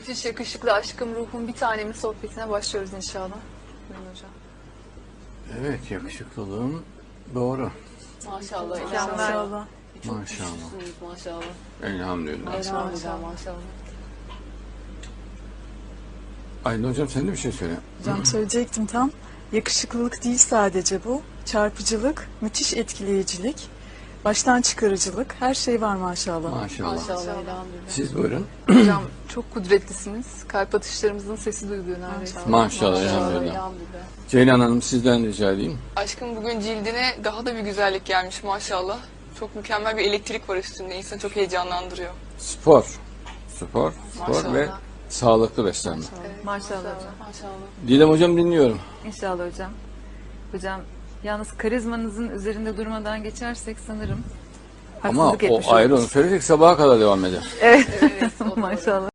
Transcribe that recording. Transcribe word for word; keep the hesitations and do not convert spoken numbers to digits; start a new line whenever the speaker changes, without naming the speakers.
Müthiş yakışıklı aşkım ruhum bir tanemin sohbetine başlıyoruz inşallah. Buyurun hocam.
Evet, yakışıklılığım doğru.
Maşallah.
Maşallah.
Çok
Maşallah.
güçlüsünüz maşallah.
Elhamdülillah.
Elhamdülillah maşallah.
Aydın hocam sen de bir şey söyle.
Hocam söyleyecektim tam. Yakışıklılık değil sadece bu. Çarpıcılık, müthiş etkileyicilik, baştan çıkarıcılık, her şey var maşallah.
Maşallah.
Maşallah elhamdülillah.
Siz buyurun.
Hocam çok kudretlisiniz. Kalp atışlarımızın sesi duyuluyor neredeyse.
Maşallah, elhamdülillah.
elhamdülillah.
Ceylan Hanım sizden rica edeyim.
Aşkım bugün cildine daha da bir güzellik gelmiş maşallah. Çok mükemmel bir elektrik var üstünde. İnsanı çok heyecanlandırıyor.
Spor. Spor. Spor
Maşallah.
ve sağlıklı beslenme.
Maşallah hocam.
Maşallah.
Didem hocam dinliyorum.
İnşallah hocam. Hocam yalnız karizmanızın üzerinde durmadan geçersek sanırım
Ama
haksızlık etmiş
o ayrı, onu
oluruz.
söyleyecek sabaha kadar devam eder.
Evet.
Evet, o doğru.
Maşallah.